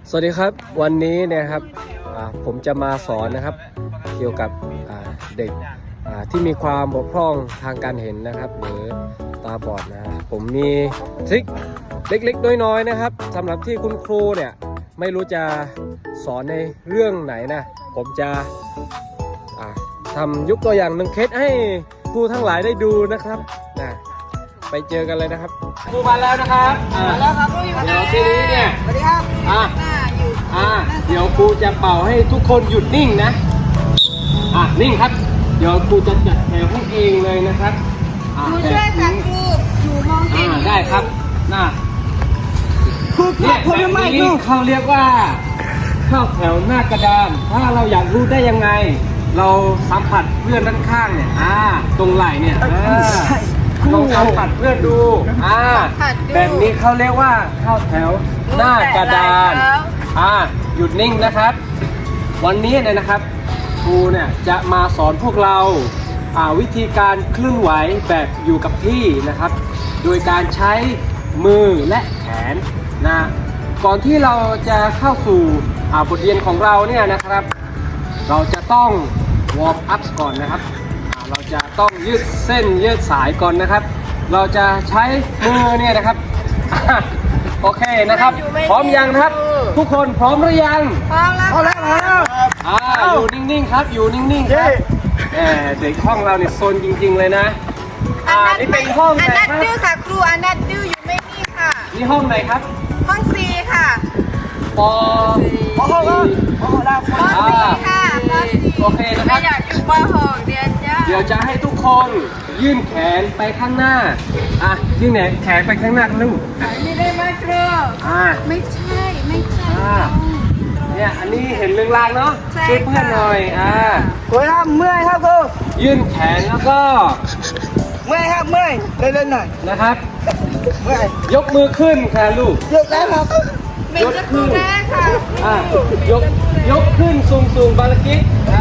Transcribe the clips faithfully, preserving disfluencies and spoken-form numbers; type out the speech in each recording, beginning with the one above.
สวัสดีครับวันนี้นะครับผมจะมาสอนนะครับเกี่ยวกับเด็กที่มีความบกพร่องทางการเห็นนะครับหรือตาบอดนะผมมีทริคเล็กๆน้อยๆนะครับสำหรับที่คุณครูเนี่ยไม่รู้จะสอนในเรื่องไหนนะผมจะทำยกตัวอย่างหนึ่งเคสให้ครูทั้งหลายได้ดูนะครับนะไปเจอกันเลยนะครับครูมาแล้วนะครับมาแล้วครับครูอยู่เดี๋ยวทีนี้เนี่ยสวัสดีครับอ่ะอ่ะเดี๋ยวครูจะเป่าให้ทุกคนหยุดนิ่งนะอ่ะนิ่งครับเดี๋ยวครูจะจัดแถวให้เองเลยนะครับครูช่วยค่ะครูอยู่มองเห็นได้ครับน่ะครูเนี่ยครูไม่ครูเขาเรียกว่าเข้าแถวหน้ากระดานถ้าเราอยากรู้ได้ยังไงเราสัมผัสเพื่อนด้านข้างเนี่ยอ่าตรงไหล่เนี่ยลองสัมผัสเพื่อนดูอ่าแบบนี้เขาเรียกว่าเข้าแถวหน้ากระดานอ่าหยุดนิ่งนะครับวันนี้เนี่ยนะครับครูเนี่ยจะมาสอนพวกเราอ่าวิธีการเคลื่อนไหวแบบอยู่กับที่นะครับโดยการใช้มือและแขนนะก่อนที่เราจะเข้าสู่อ่าบทเรียนของเราเนี่ยนะครับเราจะต้องวอร์มอัพก่อนนะครับเราจะต้องยืดเส้นยืดสายก่อนนะครับเราจะใช้มือเนี่ยนะครับโอเคนะครับพร้อมยังครับทุกคนพร้อมหรือยังพร้อมแล้วพร้อมแล้วอ่าอยู่นิ่งๆครับอยู่นิ่งๆครับแหมเด็กห้องเราเนี่ยโซนจริงๆเลยนะอ่านี่เป็นห้องไหนครับอันนั้นดื้อค่ะครูอันนั้นดื้ออยู่ไม่นี่ค่ะนี่ห้องไหนครับห้องซีค่ะปอปอห้องปอห้องปอซีค่ะปอซีโอเคนะครับไม่อยากอยู่ปอหกเดียนจ้าเดี๋ยวจะให้ทุกคนยื่นแขนไปข้างหน้าอ่ะยื่นแขนไปข้างหน้าลูกไม่ได้มาครูอ่าไม่ใช่ไม่ใช่เนี่ยอันนี้เห็นเรื่องรางเนาะช่วยเพื่อนหน่อยอ่าครูครับเมื่อยครับครูยื่นแขนแล้วก็เมื่อยครับเมื่อยเล่นๆหน่อยนะครับเมื่อยยกมือขึ้นค่ะลูกยกแล้วครับเป็นจะครูแม่ค่ะอ่ายกยกขึ้นสูงสูงบาลกิกอ่า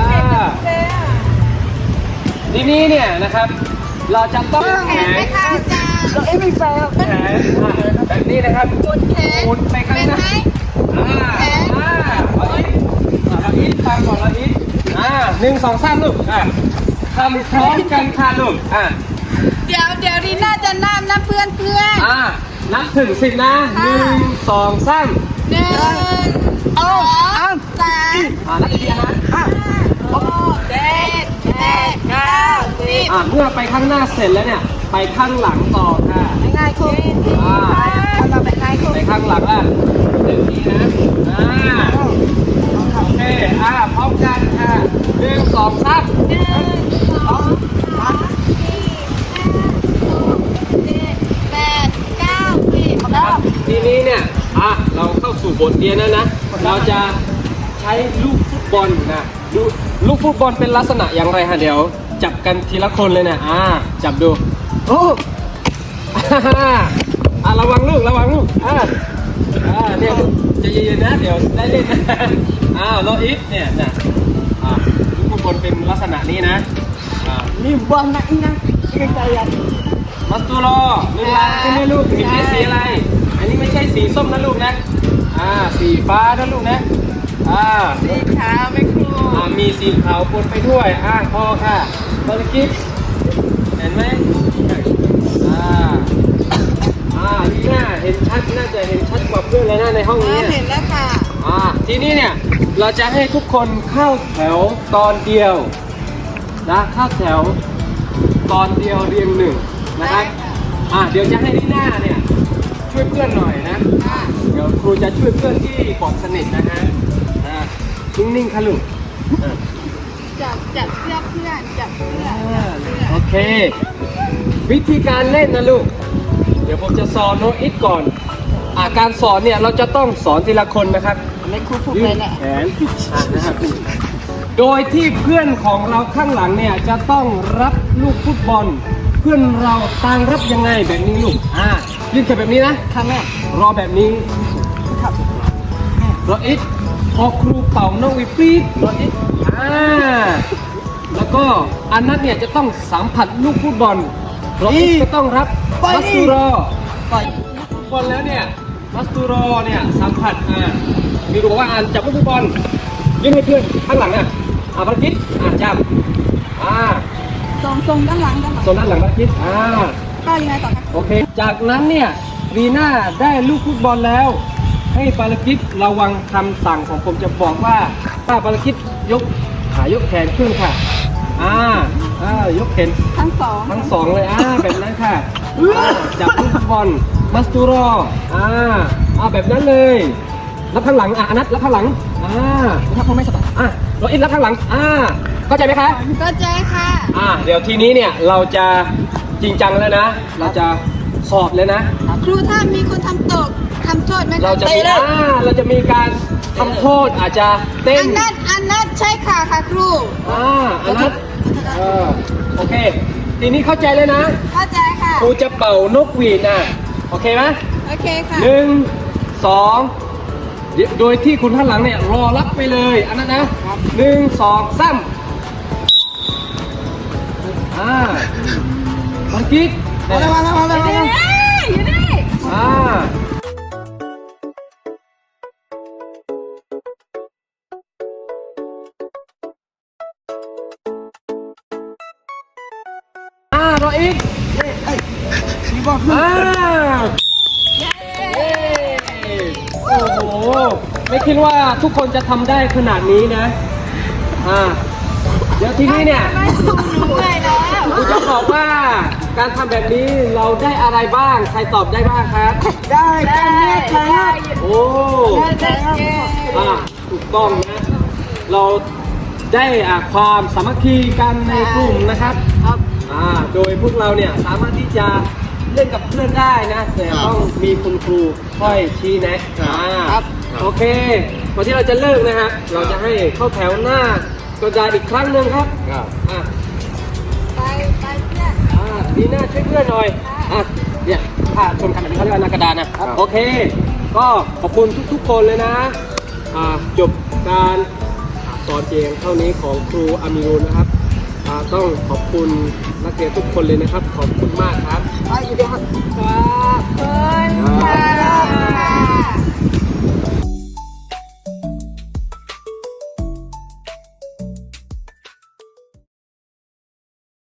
ทีนี้เนี่ยนะครับเราจะต้องแขนไม่ค่ะอาจารย์เราเอ็มไม่แฟร์แขนแบบนี้นะครับหมุนแขนหมุนไปข้างหน้าอ่าอ่าเราอีกเราอีกฟังก่อนเราอีกอ่าหนึ่งสองสามลูกอ่าทำพร้อมกันค่ะลูกอ่าเดี๋ยวเดี๋ยวดีน่าจะนับนะเพื่อนเพื่อนอ่านับถึงสิบนะหนึ่งสองสามหนึ่งสองสามอ่านับอีกทีนะห้าหกเจ็ดแปดเก้าสิบอ่าเมื่อไปข้างหน้าเสร็จแล้วเนี่ยไปข้างหลังต่อค่ะง่ายๆคุณอ่าเราไปง่ายคุณไปข้างหลังอ่ะหนึ่งทีนะอ่าโอเคอ่าพร้อมกันค่ะหนึ่งสองสามหนึ่งสองสามสี่ห้าหกเจ็ดแปดเก้าสิบแล้วทีนี้เนี่ยอ่ะเราเข้าสู่บทเรียนแล้วนะเราจะใช้ลูกฟุตบอลนะดูลูกฟุตบอลเป็นลักษณะอย่างไรฮะเดี๋ยวจับกันทีละคนเลยนะอ่าจับดูโอ้อ่าระวังลูกระวังลูกอ่าอ่าเนี่ยจะเย็นๆนะเดี๋ยวได้เล่นนะอ้าวโลอิฟเนี่ยนะอ่าลูกฟุตบอลเป็นลักษณะนี้นะอ่านี่บอลนะอีนั่งอีนั่งใจยันมัสตูโรเวลาใช่ไหมลูกเห็นสีอะไรอันนี้ไม่ใช่สีส้มนะลูกนะอ่าสีฟ้านะลูกนะอ่าสีขาวไม่ครูอ่ามีสีขาวปนไปด้วยอ่าพอค่ะบอลกิ๊กเห็นไหมอ่าอ่านี่น่าเห็นชัดน่าจะเห็นชัดกว่าเพื่อนเลยนะในห้องนี้เห็นแล้วค่ะอ่าทีนี้เนี่ยเราจะให้ทุกคนเข้าแถวตอนเดียวนะเข้าแถวตอนเดียวเรียงหนึ่งนะครับอ่าเดี๋ยวจะให้ที่หน้าเนี่ยช่วยเพื่อนหน่อยนะเดี๋ยวครูจะช่วยเพื่อนที่บอดสนิทนะฮะอ่านิ่งๆค่ะลูกจับจับเสื้อเพื่อนจับเสื้อโอเควิธีการเล่นนะลูกเดี๋ยวผมจะสอนโนอิทก่อนอ่าการสอนเนี่ยเราจะต้องสอนทีละคนนะครับไม่ครูพูดไปแหละแขนนะครับโดยที่เพื่อนของเราข้างหลังเนี่ยจะต้องรับลูกฟุตบอลเพื่อนเราต่างรับยังไงแบบนี้ลูกอ่ายืนแค่แบบนี้นะค่ะแม่รอแบบนี้ครับรออิทพอครูเป่าน้องวิปีดรออิทอ่าแล้วก็อันนั้นเนี่ยจะต้องสัมผัสลูกฟุตบอลรออิทก็ต้องรับมัสตูโรปล่อยลูกฟุตบอลแล้วเนี่ยมัสตูโรเนี่ยสัมผัสอ่ามีมีรูบอกว่าอ่านจับลูกฟุตบอลยื่นให้เพื่อนข้างหลังอ่ะอ่าภารกิจอ่าจับอ่าส่งส่งด้านหลังด้านหลังโซนด้านหลังภารกิจอ่าก็ยังไงต่อคะโอเค จากนั้นเนี่ยวีน่าได้ลูกฟุตบอลแล้ว ให้ภารกิจระวังคำสั่งของผมจะบอกว่าถ้าภารกิจยกขายกแขนขึ้นค่ะอ่าอ่ายกแขนทั้งสองทั้งสองเลยอ่าแบบนั้นค่ะอ่าจับลูกฟุตบอลมัสตูรออ่าอ่าแบบนั้นเลยรับข้างหลังอ่ะอนัทรับข้างหลังอ่าถ้าเขาไม่สบายอ่ะโรอินรับข้างหลังอ่าเข้าใจไหมคะก็เจ๊ค่ะอ่าเดี๋ยวทีนี้เนี่ยเราจะจริงจังแล้วนะ เราจะสอบเลยนะครูถ้ามีคนทำตกทำโทษไหมคเราจะมีอ่าเราจะมีการทำโทษอาจจะเต้อันนนั้นอันนั้นใช่ค่ะค่ะครูอ่าอันนั้นเออโอเค ทีนี้เข้าใจเลยนะเข้าใจค่ะครูจะเป่านกหวีดนะโอเคไหมโอเคค่ะหนึ่งสองโดยที่คุณท่านหลังเนี่ยรอรับไปเลยอันนั้นนะหนึ่งสองสามอ่าเมื่อกี้เนี่ยอยู่นี่อยู่นี่อ่าอ่ารออีกอ่าเย้โอ้โห ไม่คิดว่าทุกคนจะทำได้ขนาดนี้นะ อ่า เดี๋ยวทีนี้เนี่ยไม่ถูกหนูเลยแล้วผมจะบอกว่าการทำแบบนี้เราได้อะไรบ้าง ใครตอบได้บ้างครับได้กันเนี่ยค่ะโอ้ได้เย้อ่าถูกต้องนะ เราได้อ่าความสามัคคีกันในกลุ่มนะครับครับอ่า โดยพวกเราเนี่ยสามารถที่จะเล่นกับเพื่อนได้นะ แต่ต้องมีคุณครูค่อยชี้แนะอ่าครับโอเคก่อนที่เราจะเลิกนะฮะ เราจะให้เข้าแถวหน้ากระดาษอีกครั้งหนึ่งครับอ่าไปไปเพื่อนอ่าดีน่าช่วยเพื่อนหน่อย อ่ะ เนี่ยถ้าชมกันแบบนี้เขาเรียกว่าหน้ากระดานนะ โอเค ก็ขอบคุณทุกๆคนเลยนะ อ่า จบการสอนเพียงเท่านี้ของครูอามิรูนนะครับ อ่า ต้องขอบคุณนักเรียนทุกคนเลยนะครับ ขอบคุณมากครับไปอยู่เดียวครับขอบคุณค่ะ